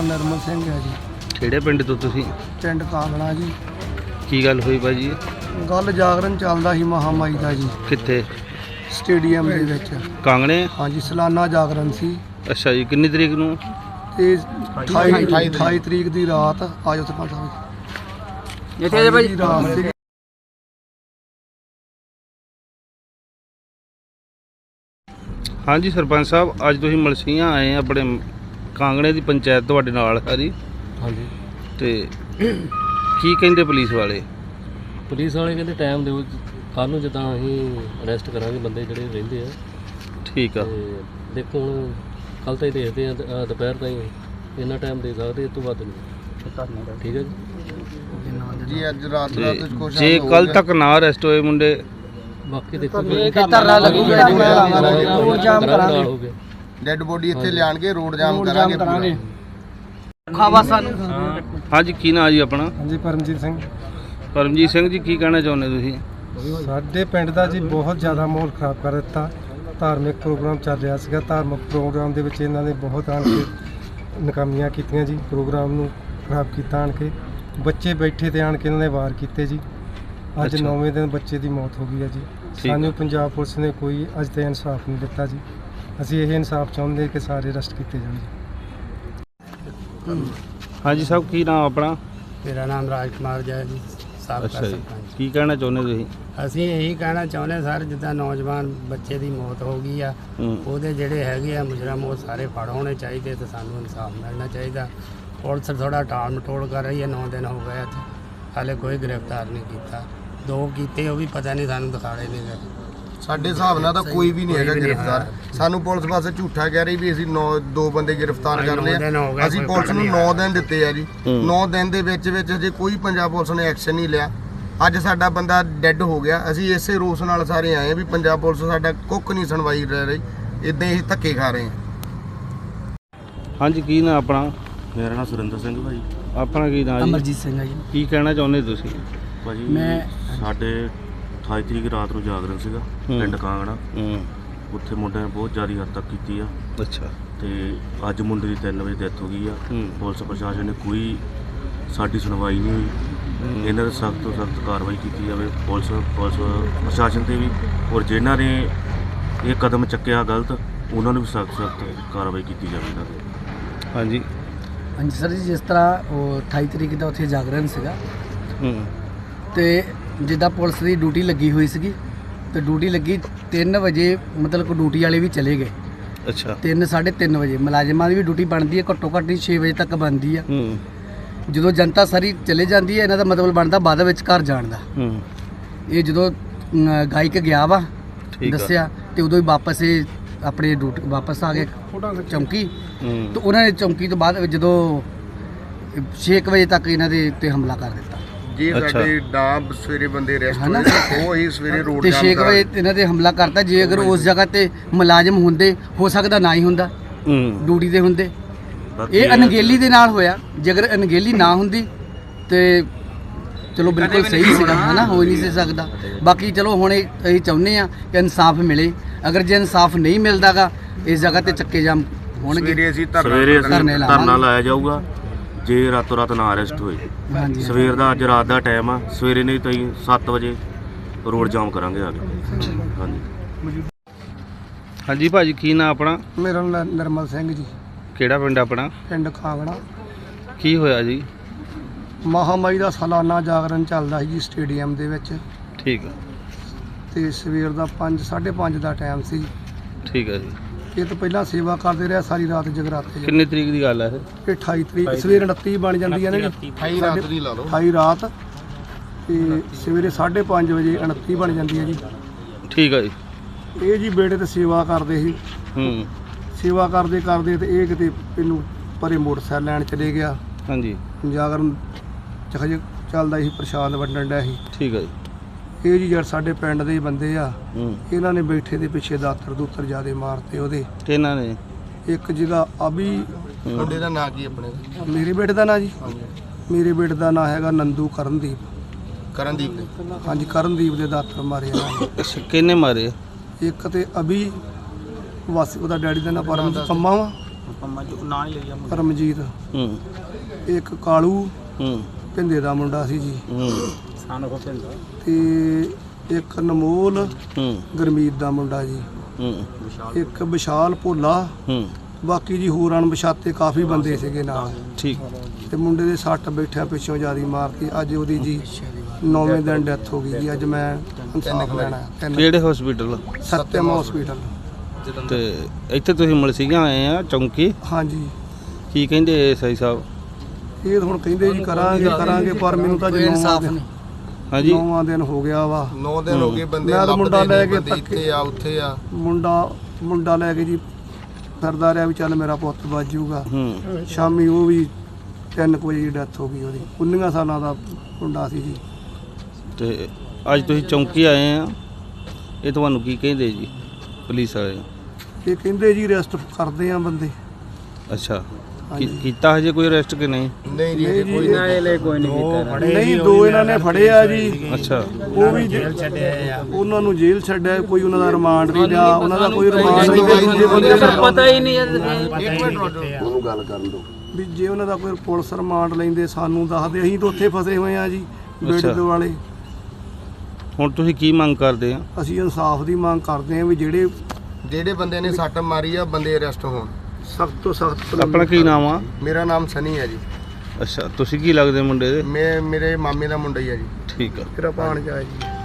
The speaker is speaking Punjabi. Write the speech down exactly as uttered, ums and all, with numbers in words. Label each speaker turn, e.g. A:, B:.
A: ਨਰਮਲ ਸਿੰਘ ਹੈ ਜੀ।
B: ਕਿਹੜੇ ਪਿੰਡ ਤੋਂ ਤੁਸੀਂ?
A: ਪਿੰਡ ਕਾਂਗੜਾ ਜੀ।
B: ਕੀ ਗੱਲ ਹੋਈ ਭਾਜੀ?
A: ਗੱਲ ਜਾਗਰਣ ਚੱਲਦਾ ਸੀ ਮਹਾਮਾਈ ਦਾ ਜੀ,
B: ਕਿੱਥੇ?
A: ਸਟੇਡੀਅਮ ਦੇ ਵਿੱਚ।
B: ਕਾਂਗੜੇ?
A: ਹਾਂਜੀ, ਸਾਲਾਨਾ ਜਾਗਰਣ ਸੀ।
B: ਅੱਛਾ ਜੀ, ਕਿੰਨੀ ਤਰੀਕ ਨੂੰ?
A: ਤੇ ਅਠਾਈ ਤਰੀਕ ਦੀ ਰਾਤ ਆਜੋ ਸਰਪੰਚ ਸਾਹਿਬ ਇੱਥੇ ਜੇ ਭਾਈ ਰਾਤ ਸੀ।
B: ਹਾਂਜੀ ਸਰਪੰਚ ਸਾਹਿਬ, ਅੱਜ ਤੁਸੀਂ ਮਲਸੀਆਂ ਆਏ ਆਪਣੇ ਕਾਂਗੜੇ ਦੀ ਪੰਚਾਇਤ ਤੁਹਾਡੇ ਨਾਲ ਹੈ ਜੀ।
C: ਹਾਂਜੀ।
B: ਤੇ ਕੀ ਕਹਿੰਦੇ ਪੁਲਿਸ ਵਾਲੇ?
C: ਪੁਲਿਸ ਵਾਲੇ ਕਹਿੰਦੇ ਟਾਈਮ ਦਿਓ, ਕੱਲ੍ਹ ਨੂੰ ਜਿੱਦਾਂ ਅਸੀਂ ਅਰੈਸਟ ਕਰਾਂਗੇ ਬੰਦੇ ਜਿਹੜੇ ਰਹਿੰਦੇ ਆ। ਠੀਕ ਆ। ਤੇ ਦੇਖੋ ਹੁਣ ਕੱਲ੍ਹ ਤਾਂ ਹੀ ਦੇਖਦੇ ਆ, ਦੁਪਹਿਰ ਤਾਈਂ ਇੰਨਾ ਟਾਈਮ ਦੇ ਸਕਦੇ, ਇਸ ਤੋਂ ਵੱਧ ਨਹੀਂ। ਠੀਕ ਹੈ ਜੀ।
A: ਜੀ ਅੱਜ ਰਾਤ ਰਾਤ
B: ਜੇ ਕੱਲ੍ਹ ਤੱਕ ਨਾ ਅਰੈਸਟ ਹੋਏ ਮੁੰਡੇ, ਬਾਕੀ
C: ਦੇਖੋ
A: ਧਰਨਾ ਲੱਗੂਗਾ, ਰੋਡ ਜਾਮ
C: ਕਰਾਂਗੇ,
A: ਡੈੱਡ ਬੋਡੀ ਇੱਥੇ ਲਿਆਣਗੇ, ਰੋਡ ਜਾਮ ਕਰਾਂਗੇ।
B: ਖਾਵਾ ਸਾਨੂੰ। ਹਾਂਜੀ, ਕੀ ਨਾਂ ਜੀ ਆਪਣਾ?
D: ਹਾਂਜੀ, ਪਰਮਜੀਤ ਸਿੰਘ।
B: ਪਰਮਜੀਤ ਸਿੰਘ ਜੀ, ਕੀ ਕਹਿਣਾ ਚਾਹੁੰਦੇ ਤੁਸੀਂ?
D: ਸਾਡੇ ਪਿੰਡ ਦਾ ਜੀ ਬਹੁਤ ਜ਼ਿਆਦਾ ਮਾਹੌਲ ਖਰਾਬ ਕਰ ਦਿੱਤਾ। ਧਾਰਮਿਕ ਪ੍ਰੋਗਰਾਮ ਚੱਲ ਰਿਹਾ ਸੀਗਾ, ਧਾਰਮਿਕ ਪ੍ਰੋਗਰਾਮ ਦੇ ਵਿੱਚ ਇਹਨਾਂ ਨੇ ਬਹੁਤ ਆਣ ਕੇ ਨਾਕਾਮੀਆਂ ਕੀਤੀਆਂ ਜੀ। ਪ੍ਰੋਗਰਾਮ ਨੂੰ ਖਰਾਬ ਕੀਤਾ ਆਣ ਕੇ, ਬੱਚੇ ਬੈਠੇ ਤੇ ਆਣ ਕੇ ਇਹਨਾਂ ਨੇ ਵਾਰ ਕੀਤੇ ਜੀ। ਅੱਜ ਨੌਵੇਂ ਦਿਨ ਬੱਚੇ ਦੀ ਮੌਤ ਹੋ ਗਈ ਹੈ ਜੀ। ਸਾਨੂੰ ਪੰਜਾਬ ਪੁਲਿਸ ਨੇ ਕੋਈ ਅੱਜ ਤੱਕ ਇਨਸਾਫ ਨਹੀਂ ਦਿੱਤਾ ਜੀ। ਅਸੀਂ ਇਹ ਇਨਸਾਫ ਚਾਹੁੰਦੇ ਕਿ ਸਾਰੇ ਅਰੈਸਟ ਕੀਤੇ ਜਾਣ ਜੀ।
B: ਹਾਂਜੀ ਸਾਹਿਬ, ਕੀ ਨਾਮ ਆਪਣਾ?
E: ਮੇਰਾ ਨਾਮ ਰਾਜ ਕੁਮਾਰ ਜੈ ਜੀ, ਸਾਬਕਾ ਸਰਪੰਚ।
B: ਕੀ ਕਹਿਣਾ ਚਾਹੁੰਦੇ ਤੁਸੀਂ?
E: ਅਸੀਂ ਇਹੀ ਕਹਿਣਾ ਚਾਹੁੰਦੇ ਸਰ, ਜਿੱਦਾਂ ਨੌਜਵਾਨ ਬੱਚੇ ਦੀ ਮੌਤ ਹੋ ਗਈ ਆ, ਉਹਦੇ ਜਿਹੜੇ ਹੈਗੇ ਆ ਮੁਜਰਮ, ਉਹ ਸਾਰੇ ਫੜ ਹੋਣੇ ਚਾਹੀਦੇ ਤੇ ਸਾਨੂੰ ਇਨਸਾਫ ਮਿਲਣਾ ਚਾਹੀਦਾ। ਪੁਲਿਸ ਥੋੜਾ ਟਾਲ ਮਟੋਲ ਕਰ ਰਹੀ ਹੈ, ਨੌ ਦਿਨ ਹੋ ਗਏ ਇੱਥੇ, ਹਾਲੇ ਕੋਈ ਗ੍ਰਿਫਤਾਰ ਨਹੀਂ ਕੀਤਾ। ਦੋ ਕੀਤੇ, ਉਹ ਵੀ ਪਤਾ ਨਹੀਂ, ਸਾਨੂੰ ਦਿਖਾੜੇ ਨਹੀਂ ਗਏ।
A: ਸਾਡੇ ਹਿਸਾਬ ਨਾਲ ਤਾਂ ਕੋਈ ਵੀ ਨਹੀਂ ਹੈਗਾ ਗ੍ਰਿਫਤਾਰ। ਸਾਨੂੰ ਪੁਲਿਸ ਪਾਸੇ ਝੂਠਾ ਕਹਿ ਰਹੀ ਵੀ ਅਸੀਂ ਨੌ ਦੋ ਬੰਦੇ ਗ੍ਰਿਫਤਾਰ ਕਰ ਲਏ ਆ। ਅਸੀਂ ਪੁਲਿਸ ਨੂੰ ਨੌ ਦਿਨ ਦਿੱਤੇ ਆ ਜੀ। ਨੌ ਦਿਨ ਦੇ ਵਿੱਚ ਵਿੱਚ ਹਜੇ ਕੋਈ ਪੰਜਾਬ ਪੁਲਿਸ ਨੇ ਐਕਸ਼ਨ ਨਹੀਂ ਲਿਆ। ਅੱਜ ਸਾਡਾ ਬੰਦਾ ਡੈੱਡ ਹੋ ਗਿਆ। ਅਸੀਂ ਇਸੇ ਰੋਸ ਨਾਲ ਸਾਰੇ ਆਏ ਆ ਵੀ ਪੰਜਾਬ ਪੁਲਿਸ ਸਾਡਾ ਕੁੱਖ ਨਹੀਂ ਸੁਣਵਾਈ ਰਹਿ ਰਹੀ, ਇਦਾਂ ਹੀ ਧੱਕੇ ਖਾ ਰਹੇ ਆ।
B: ਹਾਂਜੀ, ਕੀ ਨਾਮ ਆਪਣਾ?
F: ਮੇਰਾ ਨਾਮ ਸੁਰਿੰਦਰ ਸਿੰਘ ਭਾਜੀ।
B: ਆਪਣਾ ਕੀ ਨਾਮ?
E: ਅਮਰਜੀਤ ਸਿੰਘ ਆ ਜੀ।
B: ਕੀ ਕਹਿਣਾ ਚਾਹੁੰਦੇ ਤੁਸੀਂ?
F: ਭਾਜੀ
E: ਮੈਂ
F: ਸਾਡੇ ਅਠਾਈ ਤਰੀਕ ਰਾਤ ਨੂੰ ਜਾਗਰਣ ਸੀਗਾ ਪਿੰਡ ਕਾਂਗੜਾ। ਉੱਥੇ ਮੁੰਡਿਆਂ ਨੇ ਬਹੁਤ ਜ਼ਿਆਦਾ ਹੱਦ ਤੱਕ ਕੀਤੀ ਆ।
B: ਅੱਛਾ।
F: ਤੇ ਅੱਜ ਮੁੰਡੇ ਦੀ ਤਿੰਨ ਵਜੇ ਡੈਥ ਹੋ ਗਈ ਆ। ਪੁਲਿਸ ਪ੍ਰਸ਼ਾਸਨ ਨੇ ਕੋਈ ਸਾਡੀ ਸੁਣਵਾਈ ਨਹੀਂ ਹੋਈ। ਇਹਨਾਂ ਦੇ ਸਖਤ ਤੋਂ ਸਖਤ ਕਾਰਵਾਈ ਕੀਤੀ ਜਾਵੇ ਪੁਲਿਸ ਪੁਲਿਸ ਪ੍ਰਸ਼ਾਸਨ 'ਤੇ ਵੀ, ਔਰ ਜਿਨ੍ਹਾਂ ਨੇ ਇਹ ਕਦਮ ਚੱਕਿਆ ਗਲਤ, ਉਹਨਾਂ ਨੂੰ ਵੀ ਸਖਤ ਸਖਤ ਕਾਰਵਾਈ ਕੀਤੀ ਜਾਵੇ ਇਹਨਾਂ 'ਤੇ।
B: ਹਾਂਜੀ
E: ਹਾਂਜੀ ਸਰ ਜੀ, ਜਿਸ ਤਰ੍ਹਾਂ ਉਹ ਅਠਾਈ ਤਰੀਕ ਦਾ ਉੱਥੇ ਜਾਗਰਣ ਸੀਗਾ, ਤੇ ਜਿੱਦਾਂ ਪੁਲਿਸ ਦੀ ਡਿਊਟੀ ਲੱਗੀ ਹੋਈ ਸੀਗੀ, ਤੇ ਡਿਊਟੀ ਲੱਗੀ ਤਿੰਨ ਵਜੇ, ਮਤਲਬ ਕਿ ਡਿਊਟੀ ਵਾਲੇ ਵੀ ਚਲੇ ਗਏ।
B: ਅੱਛਾ।
E: ਤਿੰਨ ਸਾਢੇ ਤਿੰਨ ਵਜੇ ਮੁਲਾਜ਼ਮਾਂ ਦੀ ਵੀ ਡਿਊਟੀ ਬਣਦੀ ਹੈ, ਘੱਟੋ ਘੱਟ ਛੇ ਵਜੇ ਤੱਕ ਬਣਦੀ ਆ। ਜਦੋਂ ਜਨਤਾ ਸਾਰੀ ਚਲੇ ਜਾਂਦੀ ਹੈ, ਇਹਨਾਂ ਦਾ ਮਤਲਬ ਬਣਦਾ ਬਾਅਦ ਵਿੱਚ ਘਰ ਜਾਣ ਦਾ। ਇਹ ਜਦੋਂ ਗਾਇਕ ਗਿਆ ਵਾ ਦੱਸਿਆ, ਤੇ ਉਦੋਂ ਹੀ ਵਾਪਸ ਇਹ ਆਪਣੇ ਡਿਊਟੀ ਵਾਪਸ ਆ ਗਏ ਚੌਂਕੀ। ਤੇ ਉਹਨਾਂ ਨੇ ਚੌਂਕੀ ਤੋਂ ਬਾਅਦ ਜਦੋਂ ਛੇ ਵਜੇ ਤੱਕ ਇਹਨਾਂ ਦੇ ਉੱਤੇ ਹਮਲਾ ਕਰ ਦਿੱਤਾ।
A: ਜੀ ਸਾਡੇ ਡਾਬ ਸਵੇਰੇ ਬੰਦੇ ਅਰੈਸਟ ਹੋਏ, ਉਹ ਹੀ ਸਵੇਰੇ ਰੋਡ
E: ਤੇ ਛੇ ਵਜੇ ਇਹਨਾਂ ਤੇ ਹਮਲਾ ਕਰਤਾ। ਜੇ ਅਗਰ ਉਸ ਜਗ੍ਹਾ ਤੇ ਮੁਲਾਜ਼ਮ ਹੁੰਦੇ, ਹੋ ਸਕਦਾ ਨਾ ਹੀ ਹੁੰਦਾ, ਡਿਊਟੀ ਤੇ ਹੁੰਦੇ। ਇਹ ਅਣਗਹਿਲੀ ਦੇ ਨਾਲ ਹੋਇਆ। ਜੇ ਅਗਰ ਅਣਗਹਿਲੀ ਨਾ ਹੁੰਦੀ ਤੇ ਚਲੋ ਬਿਲਕੁਲ ਸਹੀ ਸੀਗਾ, ਹਨਾ, ਹੋ ਨਹੀਂ ਸੀ ਸਕਦਾ। ਬਾਕੀ ਚਲੋ ਹੁਣ ਅਸੀਂ ਚਾਹੁੰਦੇ ਆ ਕਿ ਇਨਸਾਫ ਮਿਲੇ। ਅਗਰ ਜੇ ਇਨਸਾਫ ਨਹੀਂ ਮਿਲਦਾਗਾ, ਇਸ ਜਗ੍ਹਾ ਤੇ ਚੱਕੇ ਜਾਮ ਹੋਣਗੇ।
F: ਸਵੇਰੇ ਅਸੀਂ ਧਰਨਾ ਲਾਇਆ ਜਾਊਗਾ ਜੇ ਰਾਤੋਂ ਰਾਤ ਨਾ ਅਰੈਸਟ ਹੋਏ। ਸਵੇਰ ਦਾ ਅੱਜ ਰਾਤ ਦਾ ਟਾਈਮ ਆ, ਸਵੇਰੇ ਨਹੀਂ ਤਾਂ ਸੱਤ ਵਜੇ ਰੋਡ ਜਾਮ ਕਰਾਂਗੇ ਆ ਕੇ। ਹਾਂਜੀ
B: ਹਾਂਜੀ ਭਾਜੀ, ਕੀ ਨਾਮ ਆਪਣਾ?
A: ਮੇਰਾ ਨਾਮ ਨਰਮਲ ਸਿੰਘ ਜੀ।
B: ਕਿਹੜਾ ਪਿੰਡ ਆਪਣਾ?
A: ਪਿੰਡ ਖਾਂਗੜਾ।
B: ਕੀ ਹੋਇਆ ਜੀ?
A: ਮਹਾਮਾਈ ਦਾ ਸਾਲਾਨਾ ਜਾਗਰਣ ਚੱਲਦਾ ਸੀ ਜੀ ਸਟੇਡੀਅਮ ਦੇ ਵਿੱਚ।
B: ਠੀਕ ਆ।
A: ਤੇ ਸਵੇਰ ਦਾ ਪੰਜ ਸਾਢੇ ਪੰਜ ਦਾ ਟਾਈਮ ਸੀ।
B: ਠੀਕ ਆ ਜੀ।
A: ਇਹ ਤੋਂ ਪਹਿਲਾਂ ਸੇਵਾ ਕਰਦੇ ਰਿਹਾ ਸਾਰੀ ਰਾਤ ਜਗਰਾਤੇ।
B: ਕਿੰਨੀ ਤਰੀਕ ਦੀ ਗੱਲ ਹੈ ਇਹ?
A: ਇਹ ਅਠਾਈ ਤਰੀਕ ਸਵੇਰ ਉਨੱਤੀ ਬਣ ਜਾਂਦੀ ਹੈ ਨਾ ਜੀ। ਅਠਾਈ ਰਾਤ ਨਹੀਂ ਲਾ ਲਓ, ਅਠਾਈ ਰਾਤ ਤੇ ਸਵੇਰੇ ਸਾਢੇ ਪੰਜ ਵਜੇ ਉਨੱਤੀ ਬਣ ਜਾਂਦੀ ਹੈ ਜੀ। ਠੀਕ ਆ ਜੀ। ਇਹ ਜੀ ਬੇੜੇ ਤੇ ਸੇਵਾ ਕਰਦੇ ਸੀ। ਹੂੰ। ਸੇਵਾ ਕਰਦੇ ਕਰਦੇ ਤੇ ਇਹ ਕਿਤੇ ਇਹਨੂੰ ਪਰੇ ਮੋਟਰਸਾਈਕਲ ਲੈਣ ਚਲੇ ਗਿਆ। ਹਾਂਜੀ। ਜਾਗਰਣ ਚਖਜ ਚੱਲਦਾ ਸੀ, ਪ੍ਰਸ਼ਾਦ ਵੰਡਣ ਡਿਆ ਸੀ। ਠੀਕ ਹੈ ਜੀ। ਇਹ ਜੀ ਯਾਰ ਸਾਡੇ ਪਿੰਡ ਦੇ ਹੀ ਬੰਦੇ ਆ, ਇਹਨਾਂ ਨੇ ਬੈਠੇ ਦੇ ਪਿੱਛੇ ਦਾਤਰ ਦੂਤਰ ਜਿਆਦੇ ਮਾਰਤੇ ਉਹਦੇ। ਕਿਹਨਾਂ ਨੇ? ਇੱਕ ਜਿਹਦਾ ਅਭੀ, ਮੁੰਡੇ ਦਾ ਨਾਂ ਕੀ ਆਪਣੇ? ਮੇਰੇ ਬੇਟੇ ਦਾ ਨਾਂ ਜੀ, ਮੇਰੇ ਬੇਟੇ ਦਾ ਨਾਂ ਹੈਗਾ ਨੰਦੂ ਕਰਨਦੀਪ। ਕਰਨਦੀਪ ਦੇ? ਹਾਂਜੀ, ਕਰਨਦੀਪ ਦੇ ਦਾਤਰ ਮਾਰੇ ਇਹਨਾਂ ਨੇ। ਕਿਹਨੇ ਮਾਰੇ? ਇੱਕ ਤੇ ਅਭੀ ਵਾਸੀ, ਉਹਦਾ ਡੈਡੀ ਦਾ ਨਾਂ ਪਰਮ ਕੰਮਾ ਵਾ, ਪਰਮਜੀਤ,
B: ਹੂੰ
A: ਇੱਕ ਕਾਲੂ
B: ਹੂੰ
A: ਭਿੰਦੇ ਦਾ ਮੁੰਡਾ ਸੀ ਜੀ,
B: ਹੂੰ
A: ਤੇ ਇੱਕ ਅਨਮੋਲ
B: ਹੂੰ
A: ਗੁਰਮੀਤ ਦਾ ਮੁੰਡਾ ਜੀ,
B: ਹੂੰ
A: ਇੱਕ ਵਿਸ਼ਾਲ ਭੋਲਾ,
B: ਹੂੰ
A: ਬਾਕੀ ਜੀ ਹੋਰ ਅਣਪਛਾਤੇ ਕਾਫੀ ਬੰਦੇ ਸੀਗੇ ਨਾਲ।
B: ਠੀਕ
A: ਤੇ ਮੁੰਡੇ ਦੇ ਸੱਟ ਬੈਠਿਆ ਪਿੱਛੋਂ ਜਿਆਦੀ ਮਾਰਤੀ। ਅੱਜ ਉਹਦੀ ਜੀ ਨੌਵੇਂ ਦਿਨ ਡੈਥ ਹੋ ਗਈ ਜੀ। ਅੱਜ ਮੈਂ ਇਨਸਾਫ ਲੈਣਾ ਤਿੰਨ
B: ਕਿਹੜੇ ਹਸਪੀਟਲ?
A: ਸੱਤਿਅਮ ਹਸਪੀਟਲ।
B: ਤੇ ਇੱਥੇ ਤੁਸੀਂ ਮਲਸੀਆਂ ਆਏ ਆ ਚੌਂਕੀ,
A: ਹਾਂਜੀ,
B: ਕੀ ਕਹਿੰਦੇ ਐਸਆਈ ਸਾਹਿਬ?
A: ਇਹ ਹੁਣ ਕਹਿੰਦੇ ਜੀ ਕਰਾਂਗੇ ਕਰਾਂਗੇ, ਪਰ ਮੈਨੂੰ ਤਾਂ ਜੀ
E: ਇਨਸਾਫ
A: ਨੌਵਾਂ
E: ਨਹੀਂ।
B: ਹਾਂਜੀ
A: ਨੌਵਾਂ ਦਿਨ ਹੋ ਗਿਆ ਵਾ।
G: ਨੌ ਦਿਨ ਹੋ ਗਏ ਬੰਦੇ
A: ਮੈਂ ਤਾਂ ਮੁੰਡਾ ਲੈ ਕੇ
G: ਬੰਦੇ ਇੱਥੇ ਆ ਉੱਥੇ ਆ।
A: ਮੁੰਡਾ ਮੁੰਡਾ ਲੈ ਕੇ ਜੀ ਫਿਰਦਾ ਰਿਹਾ ਵੀ ਚੱਲ ਮੇਰਾ ਪੁੱਤ ਬਚ ਜਾਊਗਾ।
B: ਹੂੰ
A: ਸ਼ਾਮੀ ਉਹ ਵੀ ਤਿੰਨ ਕੁ ਵਜੇ ਡੈਥ ਹੋ ਗਈ ਉਹਦੀ। ਉੱਨੀਆਂ ਸਾਲਾਂ ਦਾ ਮੁੰਡਾ ਸੀ ਜੀ।
B: ਤੇ ਅੱਜ ਤੁਸੀਂ ਚੌਂਕੀ ਆਏ ਆ, ਇਹ ਤੁਹਾਨੂੰ ਕੀ ਕਹਿੰਦੇ ਜੀ ਪੁਲਿਸ ਵਾਲੇ?
A: ਇਹ ਕਹਿੰਦੇ ਜੀ ਅਰੈਸਟ ਕਰਦੇ ਆ ਬੰਦੇ।
B: ਅੱਛਾ,
A: ਹਾਂਜੀ।
B: ਕੀ- ਕੀਤਾ ਹਜੇ ਕੋਈ ਅਰੈਸਟ ਕਿ ਨਹੀਂ?
G: ਨਹੀਂ ਜੀ
A: ਨਹੀਂ ਜੀ,
G: ਕੋਈ ਨਾ ਇਹ ਕੋਈ ਨਹੀਂ ਕੀਤਾ
A: ਨਹੀਂ, ਦੋ ਇਹਨਾਂ ਨੇ ਫੜੇ ਆ ਜੀ।
B: ਅੱਛਾ,
A: ਉਹ ਵੀ ਜੇਲ੍ਹ ਛੱਡਿਆ ਆ, ਉਹਨਾਂ ਨੂੰ ਜੇਲ੍ਹ ਛੱਡਿਆ। ਕੋਈ ਉਹਨਾਂ ਦਾ ਰਿਮਾਂਡ ਨਹੀਂ ਲਿਆ, ਉਹਨਾਂ ਦਾ ਕੋਈ ਰਿਮਾਂਡ ਨਹੀਂ। ਦੂਜੇ ਬੰਦੇ ਦਾ ਪਤਾ ਹੀ ਨਹੀਂ
G: ਉਹਨੂੰ ਗੱਲ ਕਰਨ ਦਿਓ।
A: ਵੀ ਜੇ ਉਹਨਾਂ ਦਾ ਕੋਈ ਪੁਲਿਸ ਰਿਮਾਂਡ ਲੈਂਦੇ ਸਾਨੂੰ ਦੱਸਦੇ। ਅਸੀਂ ਤਾਂ ਉੱਥੇ ਫਸੇ ਹੋਏ ਆ ਜੀ ਬੇੜੇ
B: ਅੱਛਾ।
A: ਦੇ ਵਾਲੇ।
B: ਹੁਣ ਤੁਸੀਂ ਕੀ ਮੰਗ ਕਰਦੇ ਆ?
A: ਅਸੀਂ ਇਨਸਾਫ ਦੀ ਮੰਗ ਕਰਦੇ ਆ ਵੀ ਜਿਹੜੇ
G: ਜਿਹੜੇ ਬੰਦੇ ਨੇ ਸੱਟ ਮਾਰੀ ਆ ਬੰਦੇ ਅਰੈਸਟ ਹੋਣ।
A: ਸਖਤ ਤੋਂ ਸਖਤ।
B: ਆਪਣਾ ਕੀ ਨਾਮ ਆ?
G: ਮੇਰਾ ਨਾਮ ਸਨੀ ਹੈ ਜੀ।
B: ਅੱਛਾ, ਤੁਸੀਂ ਕੀ ਲੱਗਦੇ ਮੁੰਡੇ ਦੇ?
G: ਮੈਂ ਮੇਰੇ ਮਾਮੇ ਦਾ ਮੁੰਡਾ ਹੀ ਆ ਜੀ।
B: ਠੀਕ ਆ।
A: ਮੇਰਾ ਭਾਣਜਾ ਹੈ ਜੀ।